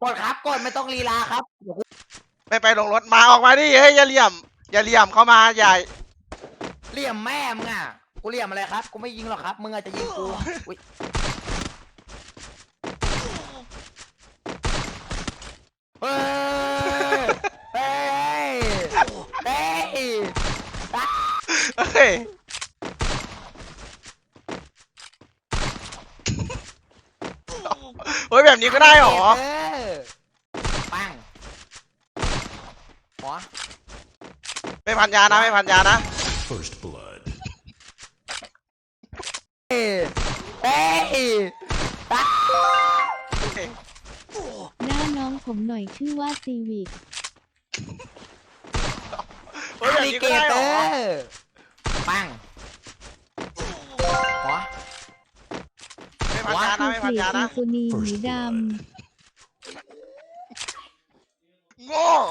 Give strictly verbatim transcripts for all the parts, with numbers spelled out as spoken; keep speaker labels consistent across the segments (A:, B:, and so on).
A: ดครับกดไม่ต้องลีลาครับ
B: ไม่ไปลงรถมาออกมาดิเฮ้ยอย่าเหลี่ยมอย่าเหลี่ยมเข้ามาอย่า
A: เหลี่ยมแม่มึงอ่ะกูเหลี่ยมอะไรครับกูไม่ยิงหรอกครับมึงอาจจะยิงกูอุ๊ยเฮ้ยเฮ้ยเฮ้ย
B: เฮ้ยเฮ้ยแบบนี้ก็ได้หรอ
A: ปังหัว
B: ไม่พันยานะไม่พันยานะ
C: First blood
A: เฮ้ยเฮ้ย
D: หน้าน้องผมหน่อยชื่อว่าซีวิก
B: เฮ้ยแบบนี้ก็ได้หรอ
A: ปังหัว
B: ไม่พันยานะไม่พันยานะ
D: สุนีหมีด
B: โง่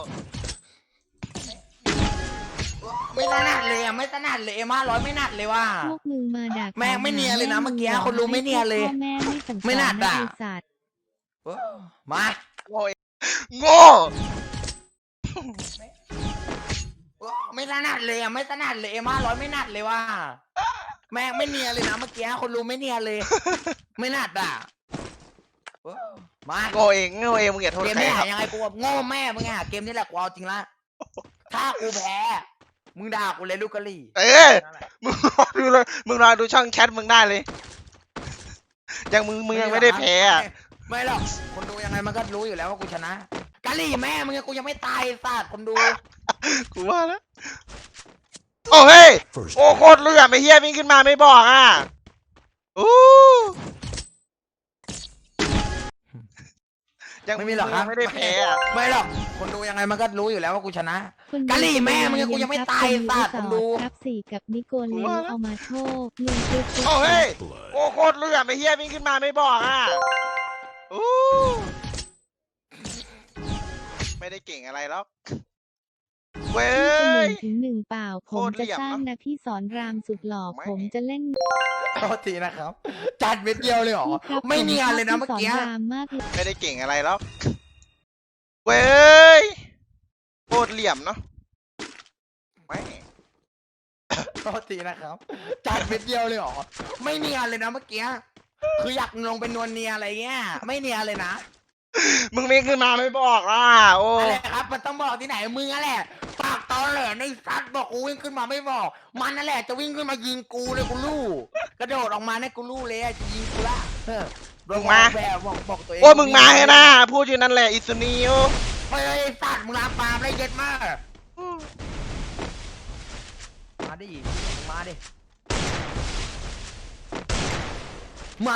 A: ไม่ถนัดเลยอ่ะไม่ถนัดเลยเอ็มห้าร้อยไม่หนัดเลยว่ะ
D: ำพวกมึงมาดัก
A: แม่งไม่เนียนเลยนะเมื่อกี้คนรู้ไม่เนียนเลย
D: พ่อแม่ไม่สั่งสอน
A: ไม่น่าด่า
D: ไอ้สัตว์
A: มา
B: โง่โง่
A: ไม่ถนัดเลยอ่ะไม่ถนัดเลยเอ็มห้าร้อยไม่หนัดเลยว่ะแม่งไม่เนียนเลยนะเมื่อกี้คนรู้ไม่เนียนเลย ไม่หนัดอ่ะมา
B: โง่เองโง่เองมึงอย่าโทษ
A: เกม
B: ใคร
A: นี้
B: ครับ
A: ยังไงกูโง่แม่มึงอ่ะเกมนี้แหละกูเอาจริงละถ้ากูแพ้มึงด่ากูเลยลูกกะลี่
B: เออมึงรอดูเลยมึงรอดูช่องแชทมึงได้เลยยังมึงมึงยังไม่ได้แพ้อะ
A: ไม่หรอกคนดูยังไงมันก็รู้อยู่แล้วว่ากูชนะกะลี่แม่มึงกูยังไม่ตายศาสตร์คนดู
B: กูว่าแล้วโอ้เฮ้ย
C: First
B: โอ้โคตรเลือดไม่เฮียวิ่งขึ้นมาไม่บอกอ่ะอู้ยัง
A: ไม่มีหรอกครับ
B: ไม่ได้แพ้อะ
A: ไม่หรอกคนดูยังไงมันก็รู้อยู่แล้วว่ากูชนะ
D: คนดู
A: กะหรี่แม่มึงกูยังไม่ตาย
D: คน
A: สัตว์คนดู
D: ครับสี่กับนิโกเลสเอามาโชคเงินซื้อ
B: โอ้เฮ้ย
C: blood
B: โอ้โคตรเลือดไม่เฮียวิ่งขึ้นมาไม่บอกอ่ะอู้ไม่ได้เก่งอะไรหรอกเว้
D: ที่จะห
B: ย
D: นึ่งถึงหนึ่งเปล่า
B: โค
D: ผม
B: ตรเหลี่
D: จะ
B: ยม
D: สร้าง
B: เนอะ
D: นะพี่สอนรามสุดหล่อ
B: ไม่
D: ผมจะเล่น
A: โทษทีนะครับ จัดเม็ดเดียวเลยเหรอ
D: พี่ครับ
A: ไม่เนียนเลยนะ
D: ผ
A: เมื่อ
D: ชบ
A: กี้
D: พี่สอนรามมากเลย
B: ไม่ได้เก่งอะไรหรอกเว้ยโคตรเหลี่ยมเนาะไม่
A: โทษทีนะครับจัดเม็ดเดียวเลยเหรอไม่เนียนเลยนะเมื่อกี้คืออยากลงเป็นนวลเนียอะไรเงี้ยไม่เนียนเลยนะ
B: มึงวิ่งขึ้นมาไม่บอกอ่ะโอ้
A: อะไรครับมันต้องบอกที่ไหนมึงนั่นแหละปากตอนแหลในซัดบอกกูวิ่งขึ้นมาไม่บอก มันนั่นแหละจะวิ่งขึ้นมายิงกูเลยกูรู้กระโดดออกมาเนี่ยกูรู้เลยอะจะยิงกูละเออ
B: มึงมา
A: แบบบอกบอกตัวเอง
B: โอ้มึงมาเลยนะพูดอยู่นั่นแหละอิสุนีโอ
A: เฮ้ยสัตว์มึงลามปามได้เย็ดมากมาดิมาดิหมา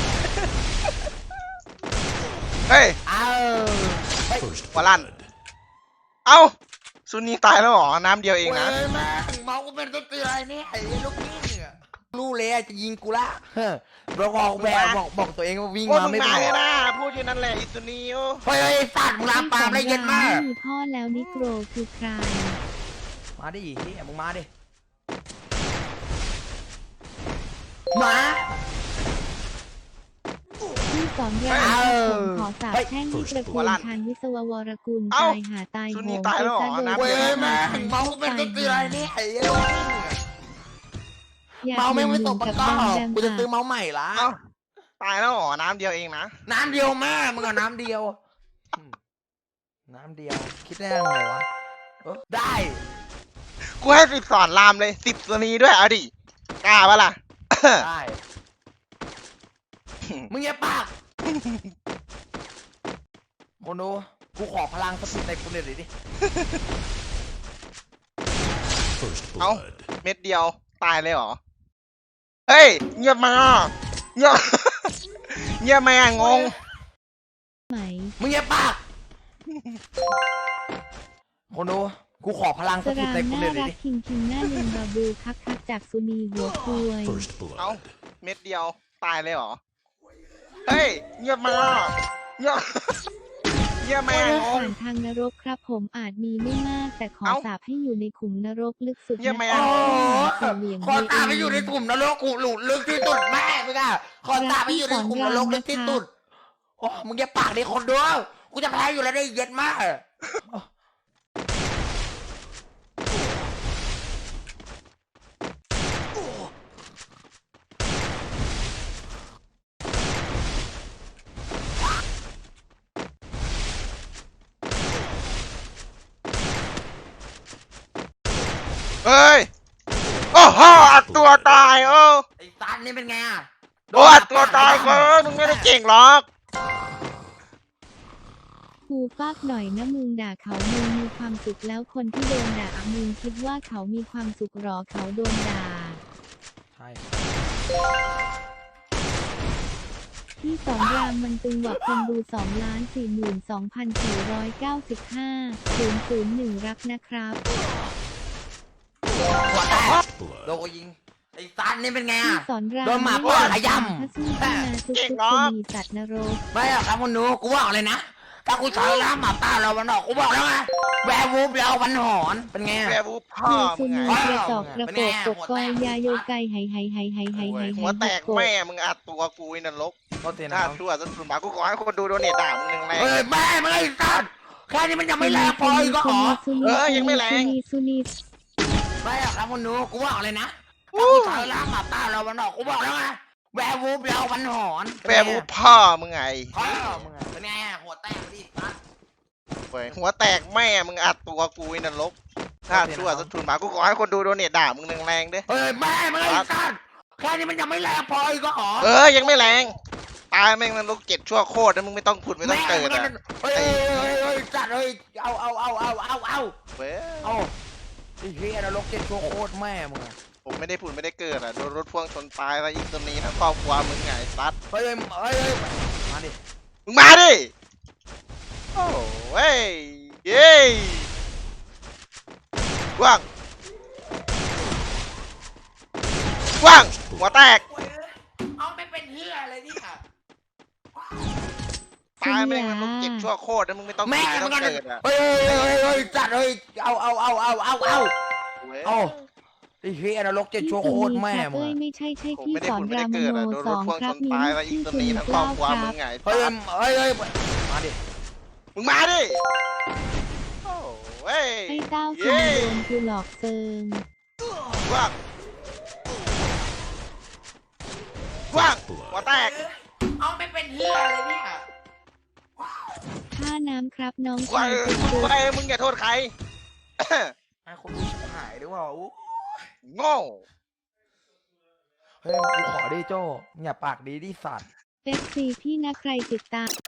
B: เฮ้ย
A: เอาเฮ้ย
C: First
B: หัวลั่น
C: blood
B: เอ้าซุนีตายแล้วเหรอน้ำเดียวเองนะ
A: เว้ยแม่งเมากูเป็นตัวเตือนนี่ไอ้ลูกนี่เนี่ยรู้เลยอะจะยิงกูละเฮ้ยบอกบอกแบบบอกบอกตัวเองว่าวิ่ง
B: โอ้
A: มา
B: มึง
A: ไม่บ
B: มา
A: อก
B: เลยนะพูดอยู่นั่นแหละอิสุนีโอ
A: เฮ้ยสัตว์มึงลามปามได้เย็ดมาก
D: ไม่มีพ่อแล้วนิโกรคือใคร
A: มาดิที่มึงมาดิหมา
D: พี่สอนราม
A: เอ้า
D: ผมขอสาบ
A: เฮ้ย
D: แช่งให้ตระกูลพันวิศววรกุล
B: เอ้า
D: ตายหาตาย
B: ซุ
D: โห
B: นี
D: ง
B: ตายแล้วเหรอ
D: ไปซะ
B: น้ำ
D: โด
A: เว้
D: ย
A: ยแม่งเมากูเป็นตัวเตือนนี่ไอ้ลูกนี่
D: อยาก
A: เมาไม่ไม่ตก
D: ห
A: ปะ
D: นึ่ง
A: ก้อ
D: กับแบม
A: กูจะ
D: แบ
A: ซื้อ
D: ม
A: เมาส์ใหม่ละ
B: เอ้าตายแล้วเหรอน้ำเดียวเองนะ
A: น้ำเดียวแม่มึงเอาน้ำเดียวอืมน้ำเดียวคิดได้ยังไงวะเออได้
B: กูให้สิบสอนรามเลยสิบซุนีด้วยเอาดิกล้าปะล่ะ
A: ได้มึงอย่าปากคนดูกูขอพลังสติในกูเลยดิ
C: First
B: เอ้า
C: blood
B: เม็ดเดียวตายเลยเหรอเฮ้ยเงียบมาเงียบ เงียบมางง
D: ไหม
A: มึงอย่าปากคนดูกูขอพลัง
D: ส
A: สติ
D: ราม
A: ในกูเล
D: น่าย รั
A: ดิ
D: กคิงคิงหน้าลืมบาบูคักคักจากสุนีหัวคุย
C: First
B: เอ้า
C: blood
B: เม็ดเดียวตายเลยเหรอเฮ้ยเงียบมาเงียบ เงียบมางง
D: ผ่านทางนรกครับผมอาจมีไม่มาก แต่ขอ
B: เอ้า
D: สาบให้อยู่ในขุมนรกลึกสุด
B: เยี่ยมไหม
D: นะ
B: อ่ะ
A: โอ้ขอตาไปอยู่ในกลุ่มนรกกูหลุดลึกที่สุดแม่มึงอะขอตาไปอยู่ในกลุ่มนรกลึกที่สุดโอ้มึงอย่าปากดิคนดูกูจะแพ้อยู่แล้วได้เย็ดมาก
B: เฮ้ยโอ้โหอัดตัวตายเออ
A: ไอ้ซันนี่เป็นไงอ่ะ
B: โอ้อัดตัวตายเกินมึงไม่ได้เก่งหรอก
D: กูฟากหน่อยนะมึงด่าเขามึงมีความสุขแล้วคนที่โดนด่ามึงคิดว่าเขามีความสุขหรอเขาโดนด่า
A: ใช่
D: ที่สอนรามมันตึงกว่าคนดูสองล้านสี่หมื่นสองพันสี่ร้อยเก้าสิบห้าศูนย์ศูนย์หนึ่งรักนะครับ
A: หัวแตก
C: First
A: โดน
C: blood.
A: กูยิงไอ้ซันนี่เป็นไง
D: ที่
A: อ่ะ
D: สอนราม
A: โดนหมาป่าขย้ำ
D: ถ้าสู้ที่นาทุกทุกคนมีสัตว์นรก
A: ไม่หรอกครับคุณหนูกูบอกเลยนะถ้ากูใช้ล้ามหมาป่าเราวันออกกูบอกแล้วไงแวร์วูฟเราวันหอนเป็นไง
B: แวร์วูฟพ่อ
D: เยซู
B: มึง
D: นี
B: ไง
D: กระจอกกระโปกกบกอยยาโยไกไฮไฮไฮไฮไฮไฮไฮ
B: หัวแตกแม่มึงอัดตัวกูไอ้นรก
A: โทษที
B: ห
A: นะ
B: น้า
A: ครับ
B: ชั่วจนสุดหมากูขอให้คนดูโดเนทด่ามึงหนึ่งแรง
A: เฮ้ยแม่ไม่ไอ้ซันแค่นี้มันยังไม่แรงพออีกก็หรอ
D: ซูนีซูนี
A: ไม่หรอกครับคุณหนูกูบอกเลยนะถ้ากูใช้ล้ามหมาป่าเราวันออกกูบอกแล้วไงแวร์วูฟเราวันหอน
B: แวร์วูฟพ่อมึงไง
A: พ่อมึงอะเป็นไงหัวแตกดิซัน
B: เว้ยหัวแตกแม่มึงอัดตัวกูไอ้นรกหน้าชั่วจนสุดหมากูขอให้คนดูโดเนทด่ามึงหนึ่งแรงเด้
A: เฮ้ยแม่ไม่ไอ้ซันแค่นี้มันยังไม่แรงพออีกก็หรอ
B: เออยังไม่แรงตายแม่งนรกเจ็ดชั่วโคตรนะมึงไม่ต้องผุดไม่ต้องเกิดอ่ะ
A: เฮ้ยเฮ้ยเฮ้ยจัดเฮ้ยเอาเอาเอาเอาเอาเอา
B: เว้ย
A: เอาไอ้เฮียนรกเจ็ดชั่วโคตรแม่มึงอะ
B: ผมไม่ได้ผุดไม่ได้เกิดอ่ะโดนรถพ่วงชนตายแล้วอีกตัวนี้ทั้งครอบครัวมึงไงซัด
A: เฮ้ยเฮ้ยเฮ้ยมาดิ
B: มึงมาดิโอ้เว้ยเย้ว่างว่างหัวแตก
A: เอาไม่เป็นเฮียอะไรนี่ค่ะ
B: ตายแม่งนรกเจ็ดชั่วโคตรนะมึงไม่ต้องผุ
A: แม่
B: ดไม่
A: มึ
B: ต้อง ง
A: กัน
B: เกิดอ่ะ
A: เฮ้ยเฮ้ยเฮ้ยเฮ้ยจัดเฮ้ยเอาเอาเอาเอาเอาเอา
B: เว้ย
A: เอาไอ้เฮียนรกเจ็ดชั่วโคตรแม่มึง
D: เอ้ย
A: อะ
D: ไม่ใช่ใช่
B: ผม
D: พี่
B: ไม่ได้
D: สอน
B: ผุดไม่
D: รา
B: ได้
D: ม
B: เกิด
D: โน
B: อ่ะโดน
D: ส
B: ร
D: อ
B: ถ
D: ง
B: พ่วง
D: ค
B: ช
D: รับ
B: น
D: มี
B: ตายแล้วอี
D: ชื่
B: ก
D: อ
B: ตัว
D: สุ
B: นี้
D: นี
B: ทั้งคร
D: เก้า
B: อบครัว
D: ค
B: มึ
D: รั
B: ง
D: บ
B: ไง
A: เฮ้ยเฮ้ยเฮ้ยมาดิ
B: มึงมาดิโอ้เว้ย
D: ไอ้เต้า
B: เย้
D: คือโดนกูหลอกเซิง
B: ว่างว่างหัวแตก
A: เอาไม่เป็นเฮียอะไรนี่ค่ะ
D: ค่าน้ำครับน้อง
B: ว่า
D: ชาย
B: เออ
D: คุณ
B: มึง
D: กู
B: ไปมึงอย่าโทษใคร
A: ไอ้คนรู้ชิบหายด้วยว่าอู้
B: โง่
A: เฮ้ยกูขอดิโจ้อย่าปากดีดิสัตว์
D: เอฟซีพี่นะใครติดตาม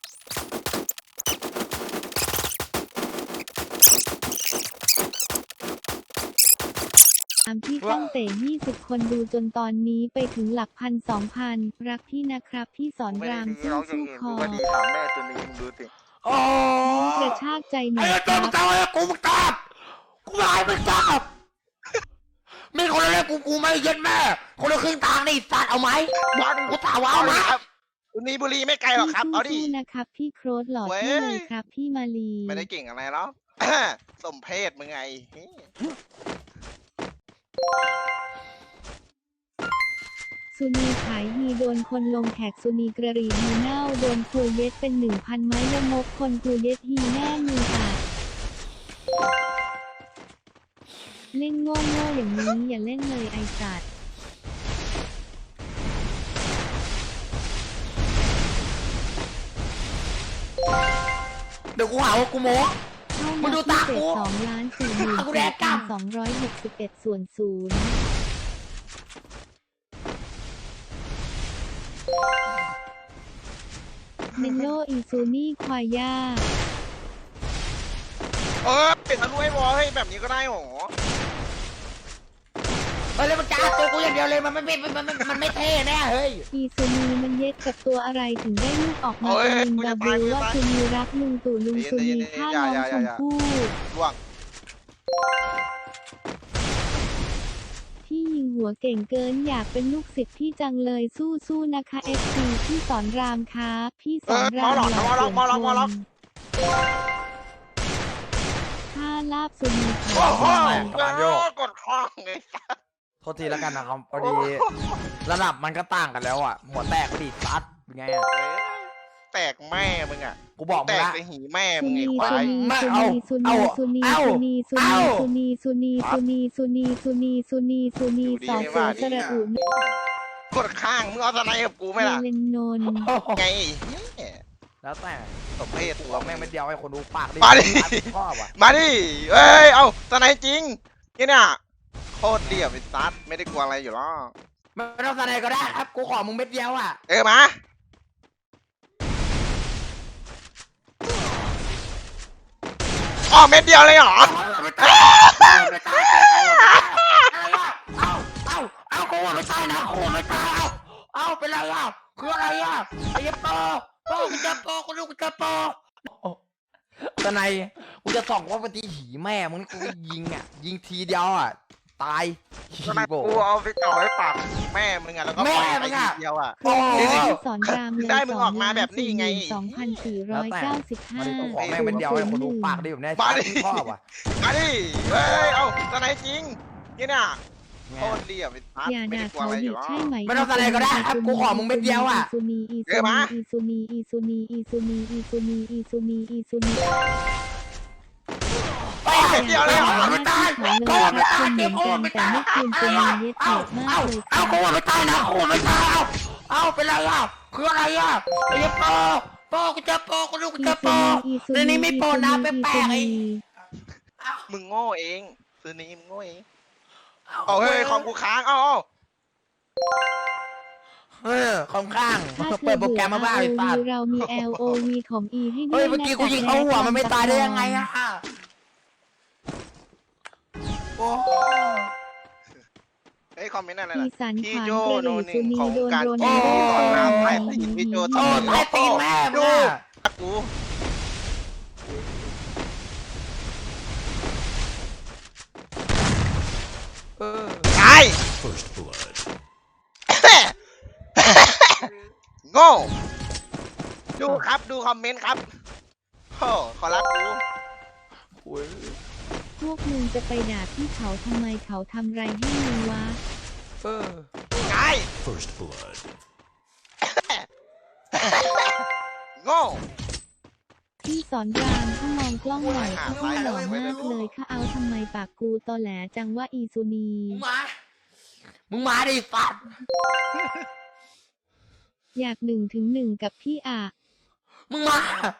D: ตามพี่ก้องเต๋ยี่สิบคนดูจนตอนนี้ไปถึงหลักพันสองพันรักพี่นะครับพี่สอน
B: ไม่
D: รา
B: ได้
D: ม
B: ดี
D: สู้
B: ร้องอย่าง
D: สู้
B: อื่น
D: ค
B: กู
D: อ
B: ก็ดีถามแม่ตัวนี้มึงดูสิ
A: โอ้
D: กระชากใจหน่
A: ไอ้
D: อยค
A: โจ้
D: รั
A: มึง
D: บ
A: ตายกูมึงตอบกูไม่ให้มึงตอบไม่คนละเรื่องกูกูไม่ยึดแม่คนละครึ่งทางนี่สัตว์เอาไหม
B: บอล
A: กูถามว่าเอาไหม
B: ครับตัวนี้บุรีไม่ไกลหรอกครับ เอาดิ
D: สู้ๆนะครับพี่โครสหล่อ
B: เว้ย
D: เท่เลยครับพี่มาลี
B: ไม่ได้เก่งอะไรหรอก สมเพศมึงไง
D: สุนีขายฮีโดนคนลงแขกสุนีกระรีฮีเน่าโดนครูเย็ดเป็นหนึ่งพันไม้ยมกคนครูเย็ดฮีแน่มืออ่ะเล่นโง่โง่ๆอย่างนี้อย่าเล่นเลยไอสัตว์
A: เดี๋ยวกูหาว่ากูโม้
D: เข้า
A: มึ
D: มาง
A: ดู
D: ที่
A: ตา
D: เศ
A: กู
D: ษสองล้านสี่หมื่น
A: กูแด
D: สี่
A: กกล้า
D: พัน
A: ม
D: สองร้อยหกสิบเอ็ดส่วนศูนย์เมนโลอีซูนี่ควายย่า
B: เออเป็นทะลุไอ้วอลเฮ้ยแบบนี้ก็ได้หรอ
A: เฮ้ยแล้วมันจะอัดตัวกูอย่างเดียวเลยมันไม่มันมันมันมันไม่เท่แน่เฮ้ย
D: อีซูนีมันเย็ดกับตัวอะไรถึงได้ลูกออกมาเป็นลุงดับเบิลว่าซูนีรักลุงตู่ลุงซูนีฆ่าน้องชมพู่
B: ล่วง
D: พี่ยิงหัวเก่งเกินอยากเป็นลูกศิษย์พี่จังเลยสู้ๆนะคะเอฟซีพี่สอนรามครับพี่สอนรามหล่อเสียงคนถ้าลาบซูนี
B: โอ้
D: ขาว
B: โห
A: กำลังโยก
B: กดข้องไง
A: โทษทีแล้วกันนะครับพอดีระดับมันก็ต่างกันแล้วอ่ะหัวแตกพอดีซัดเป็นไงอ่ะ
B: แตกแม่มึงอ่ะ
A: กูบอก
B: แต
A: มึง
B: ก
A: ละ
B: ไปหีแม่
D: สุ
B: มึงไอ้
D: นี
B: ควา
D: สุ
B: ย
D: นี
A: ไม่
D: สุ
A: เอา
D: นีสุ
A: เอา
D: นีสุนี
A: เอา
D: สุนีสุนี
A: เอา
D: สุนีสุนีสุนีสุนีสุนีสุนีสุนี
B: อยู่ดี
D: สอ
B: ไม่
D: เสื
B: ว่า
D: อ
B: ดี
D: สระ
B: นะ
D: อุ
B: กดข้างมึงเอาสไนกับกูไหม
D: เฮ
B: ล่ะ
D: เลนนนท์
B: ไง
A: แล้วแต่
B: สมเพศ
A: ตั
B: ตัว ว
A: แม่
B: แม่
A: ง
B: ง
A: ไม่เดียวให้คนดูปากดิ
B: มาดิ
A: ชอบอ่ะ
B: มาดิเอ้ยเอาสไนจริงนี่เนี่ยโคตรเรียบไอ้ซัดไม่ได้กลัวอะไรอยู่หรอก
A: ไม่ต้องแสดงก็ได้ครับกูขอมึงเม็ดเดียวอ่ะ
B: เออมาอ๋อเม็ดเดียวเลยเหรอ
A: เอาเอาเอากูไม่ตายนะกูไม่ตายเอาเอาเป็นไรอ่ะคืออะไรอ่ะไอ้ปอปอกูจะปอกูรู้กูจะปอตอนไหนกูจะส่องว่าปฏิหีแม่มึงนี่กูก็ยิงอ่ะยิงทีเดียวอ่ะตาย
B: สไนกูเอาไปจ่อไว้ปากแม่มึงอะแล้วก็ปล่อยไปทีเดียวอะ
A: โอ้โห
D: สอนรามเลย
B: ได้มึงออกมาแบบนี้ไง
D: สองพันสี่ร้อยเก้าสิบห้า
A: มาดิกูขอแม่งเป็นเดียวให้คนดูปากดิแบบนี้
B: มาดิ
A: ชอบอ่ะ
B: มาดิเฮ้ยเอาสไนจริงนี่เนี่ยโคตรเรียบไอ้ซัด
D: อย่า
B: ไม่
D: ด่า
B: ได้กลัว
D: เขา
B: อะไรอ
D: ดิ
B: ยู่หรอก
D: ใช่ไหม
A: ไม่ต้องแสดงก็ได้ครับกูขอมึงเม็ดเดียวอ่ะ
D: อีซูนีอี
B: เอ
D: ซู
B: อมา
D: นีอีซูนีอีซูนีอีซูนีอีซูนีอีซูนีอีซูนี
B: โอ้เม็ดเดียวเลยเหรอ
D: ไม่ตายเขาเลยรักคุณเหมือนกันแต่ไม่คืนจะมีเย็ดเถิดมากเลย
A: เอา
D: ค่ะ
A: กูไม่ตายนะกูไม่ตายเอาเอาเป็นไรอ่ะคืออะไรอ่ะไอ้ปอปอกูจะปอกูรู้กูจะปอ
D: อีซู
A: ในนี้ไม่โปรนะแปลกๆไอ้
B: มึงโง่เองซื้อนี้มึงโง่เองเอาเฮ้ยของกูค้างเอาเอา
A: เออของข้าง
D: ถ้าเธ
A: เปิ
D: อ
A: ดโปร
D: เบื่
A: แกร
D: อ
A: มมาบ้าไอ้สัตว์
D: เรามี แอล โอ วี ของ E ให้ด้
A: เฮ้
D: วย ย
A: เมื่อกี้
D: นะ
A: กูยิงเข้าหัวมันไม่ตายได้ยังไงอ่ะโอ้
B: เฮ้ยคอมเมนต์อะไร
D: อี
B: ล่ะ
D: สาน
B: พี่
D: ขวาง
B: โจ
D: กระ
B: โน
D: หรี่
B: หนึ่
D: สุ
B: ง
D: นี
B: ของ
D: โดน
B: การ
D: โดน
B: โอ้
D: โดน
B: สอนราม
D: โด
B: ไอ้
D: น
B: ตีพี่โจ
A: โอ้
B: ทำ
A: ไอ้ตีนแม่มึงอ่ะ
B: กู
A: เออ
B: ตาย
C: First blood.
B: โง่ดูครับดูคอมเมนต์ครับโอ้ขอรับกู
A: โอ้ย
D: พวกมึงจะไปด่าพี่เขาทำไมเขาทำไรให้มึงวะ
A: เออ
B: ตาย
C: First blood.
B: โง่
D: พี่สอนรามถ้ามองกล้องหน่อยเขาหล่อมากเลยค่ะเอาทำไมปากกูตอแหลจังว่าอีซูนี
A: มึงมา มึงมาดิสัตว์
D: อยากหนึ่งถึงหนึ่งกับพี่อะ
A: มึงมา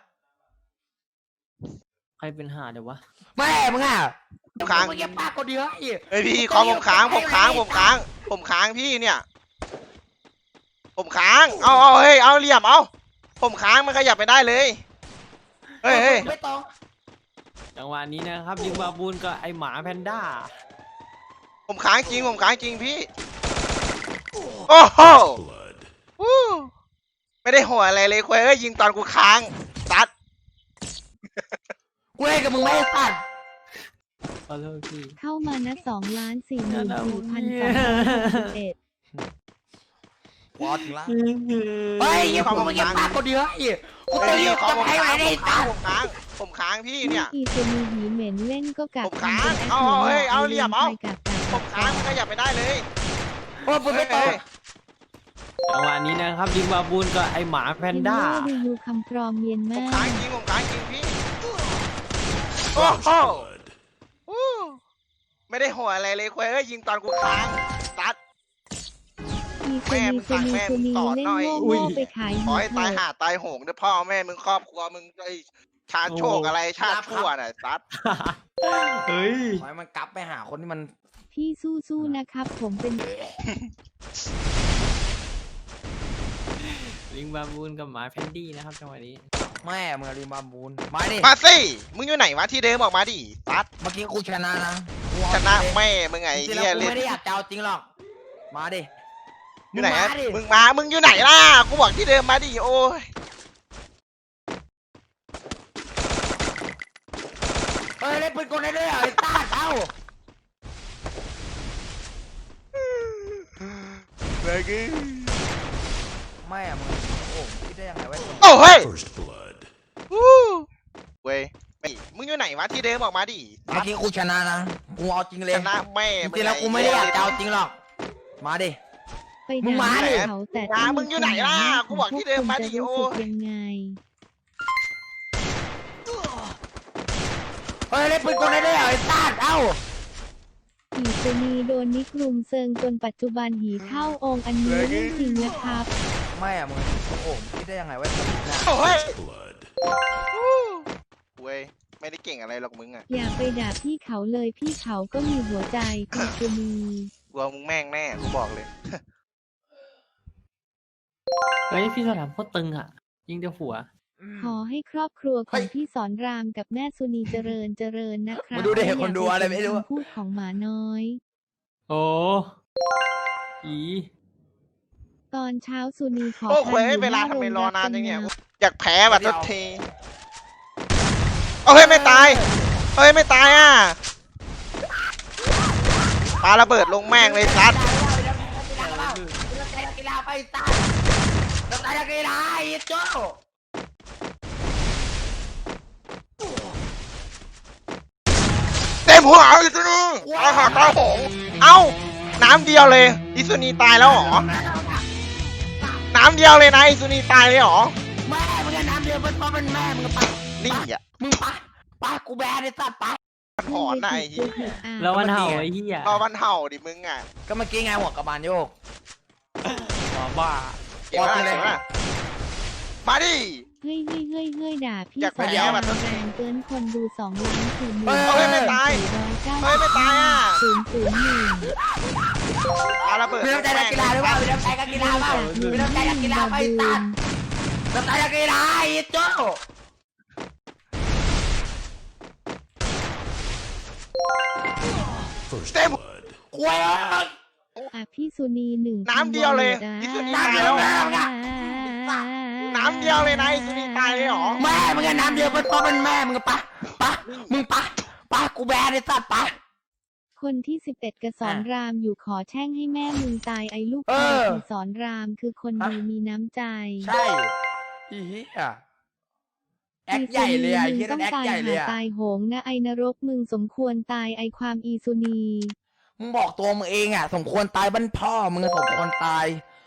E: ใครเป็นหาเดี๋ยววะ
A: แม่มึงอ่ะ
B: ค้าง
A: มึงเก็บปากคนเดียวไอ้
B: เฮ้ยพี่คอมผมค้างผมค้างผมค้าง ผมค้างพี่เนี่ย ผมค้างเอาเอาเฮ้ยเอาเหลี่ยมเอาผมค้างมันขยับไปได้เลยเฮ้ยเฮ้ย
A: ไม่ต้อง
E: จังหวะนี้นะครับยิงบาบูนกับไอหมาแพนด้า
B: ผมค้างจริงผมค้างจริงพี่โอ้โห
C: Blood.
B: วู้ไม่ได้หัวอะไรเลยคุยเอ้ยยิงตอนกูค้างตัด
A: กูเล่นกับมึงไม่ให้สัตว์
E: ขอโทษพี่
D: เข้ามานะสองล้านสี่หมื่นสี่พันสองร้อยหกสิบเอ็ด
A: วอถึงละเฮ้ยยิงกูมึงเก็บปากคนเดียวไอ้กู
B: เฮ้
A: จะ
B: ย
A: ยิ
B: พี่
A: ง
B: คอ
A: จะ
B: มผม
A: ให้
B: ค้า
A: ไว้
B: ง
A: ได้
B: ผมค้า
A: สั
B: ง
A: ตว์
B: ผมค้างผมค้างพี่เนี่ย
D: อีซูนีหีเหม็นเล่นก็กัก
B: ผมค้าง
D: ทำเป็น
B: เอาเอาเฮ้ยเอาเหลี่ยมเอา
D: ใครกัก
B: ผมค้างมันขยับไปได้เลย
A: โอ้มึงไม่ต้อง
E: จังหวะนี้นะครับยิงบาบูนกับไอหมาแพ
D: เอน น
E: ด้า
D: โดรีวิวคำพร้อมเย็น
B: ผม
D: มาก
B: ค้างจริงผมค้างจริงพี่โอ้
C: First
B: โห
C: blood.
B: วู้ไม่ได้หัวอะไรเลยคุยเอ้ยยิงตอนกูค้างตัด
D: อี
B: แม่
D: ซู
B: มึ
D: นี
B: ง
D: ซู
B: สั่ง
D: นี
B: แม่
D: ซู
B: มึง
D: นี
B: สอน
D: เล่น
B: หน่อย
D: โง่โง่ไปขาย
B: ขอให้
D: เถ
B: ตาย
D: อะ
B: หาตายโหงเด้อพ่อแม่มึงครอบครัวมึงไอ้ชาติโชคอะไรชาติชั่วน่ะตัด
E: เฮ้ย
A: ขอให้มันกลับไปหาคนที่มัน
D: พี่สู้ๆนะครับ ผมเป็น
E: ยิงบาบูนกับหมาแพนดี้นะครับจังหวะนี้
A: แม่มึงรีบาบูนมาดิ
B: มาสิมึงอยู่ไหนวะที่เดิมออกมาดิตัด
A: เมื่อกี้กูชนะนะกู
B: ช
A: เอา
B: นะ
A: จริง
B: แม่มึงไง
A: จริงๆ
B: เฮี
A: แล้
B: ยว
A: กู
B: เล่น
A: ไม่ได้อยากจะเอาจริงหรอกมาดิ
B: อยู่ไหน
A: มา
B: อะ
A: ดิ
B: มึงมามึงอยู่ไหนล่ะกูบอกที่เดิมมาดิโอ้ย
A: เฮ้ยเล่นปืนกลได้ด้วยเหรอไอ้ต้าเอ้า
B: เมื่อกี้
A: แม่มึงโอ้คิดได้ยังไงวะ
B: โอ้เฮ้ย
C: First blood.
B: วู้เว้ยไม่มึงอยู่ไหนวะที่เดิมออกมาดิ
A: เมื่อกี้กูชนะนะกูเอาจริงเลย
B: ชนะแม่
A: จริงๆแล้วกูไม่ได้อยากจะเอาจริงหรอกมาดิ
D: ไปด่าเขาแต่
B: มามึงอยู่ไหนล่ะกูบอกที่เดิมมาดิ
D: รู้
B: โอ้
D: สึก
B: ย
D: ยังไง
A: เฮ้ยเล่นปืนกลได้ด้วยเหรอไอ้สัตว์เอ้า
D: หีสุนีโดนนิกรุมเซิงจนปัจจุบันหีเข้าองค์อันนี้เรื่องจริงนะครับ
A: ไม่อะมึงโอ้โหมึงคิดได้ยังไงว่าจะชนะ
B: โอ้ย
C: Blood.
B: เว้ยไม่ได้เก่งอะไรหรอกมึงอ่ะ
D: อย่าไปด่าพี่เขาเลยพี่เขาก็มีหัวใจหีสุนี
B: กลัวมึงแม่งแน่กูบอกเลย
E: เฮ้ยพี่สอนรามโคตรตึงอ่ะ ยิงเดียวหัว
D: ขอให้ครอบครัวของพี่สอนรามกับแม่สุนีเจริญเจริญนะครับ
A: มึงดูเด็กคนดูอะไรไม่รู้
D: คำพูดของหมาน้อย
E: โอ้อี
D: ตอนเช้าสุนีขอ
B: โอ้
D: พั
B: เว้ย
D: อยู่
B: เวลา
D: หน้
B: ทำไม
D: โง
B: รอนานจังเนี่ย
D: รับ
B: อยากแพ้แบบทุกทีเอาเฮ้ยไม่ตายเฮ้ยไม่ตายอ่ะปาระเบิดลงแม่งเลยซัด
A: กีฬาไปสัตว์เราตายนักกีฬาไอ้โจ้
B: เต็มหัวเอาอีกทีตายหาตายโหงเอ้าน้ำเดียวเลยอิซุนีตายแล้วเหรอน้ำเดียวเลยนะอิซุนีตายเลยเหรอ
A: แม่มึงน้ำเดียวมันเพราะมันแม่มึงไป
B: นี่อ่ะ
A: มึงไปไปกูแบนไอ้สัตว์ไป
B: มันหอนนะไอ้เหี้ย
D: อ่ะ
E: แล้ววันเห่าไอ้เหี้ย
B: รอมันเห่าดิมึงอ่ะ
A: ก็เมื่อกี้ไงหัวกระบาลโยก
E: อ๋อบ้า
B: เก่งมาก
A: ว่าไปเลย
B: เก่งมากมาดิ
D: เฮ้ยเฮ้ยเฮ้ยเฮ้ยด่าพี่
B: อยาก
D: สอน
B: ไปแย่
D: ราม
B: แบบนั้น
D: แรงเกินคนดูสองล้านสี่หมื่น
A: เฮ้ย
B: เฮ้ยไม่ตาย
D: สี่ร้อยเก้า
B: เฮ้ยไม่ตายอ่ะ
D: ศูนย์ศูนย์หนึ่ง
B: ปาระเบิด
A: มีน้ำใจนักกีฬาหรือเปล่ามีน้ำใจนักกีฬาเปล่ามีน้ำใจนักกีฬาไปสัตว์น้ำใจนักกีฬาไอ้โจ้
C: First
B: Damn.
C: blood.
A: ควย
D: อ่ะพี่สุนีหนึ่ง
B: น้ำเดียวเลย
D: พัน
B: พี่สุนี
D: วอ
B: ตาย
D: ร์
B: แล้ว
D: อ่ะ
B: น้ำเดียวเลยนะอิซุนีตายเลยเหรอ
A: แม่มึงน้ำเดียวมันเพราะมันแม่มึงไปไปมึงไปไปกูแบนไอ้สัตว์ไป
D: คนที่สิบเอ็ดกระสอนรามอยู่ขอแช่งให้แม่มึงตายไอ้ลูก
A: เอ
D: ชาย
A: อ
D: ที่สอนรามคือคนดีมีน้ำใจ
A: ใช่อีเหี้ยแอคใหญ่เลยอ่ะไอ้
D: มึ
A: เหี้ย
D: ต้
A: นั่
D: อน ง
A: แอค
D: ตาย
A: ใหญ่เลย
D: หา
A: อ่ะ
D: ตายโหงนะไอ้นรกมึงสมควรตายไอ้ความอีสุนี
A: มึงบอกตัวมึงเองอ่ะ สมควรตายบ้านพ่อมึงอะสมควรตาย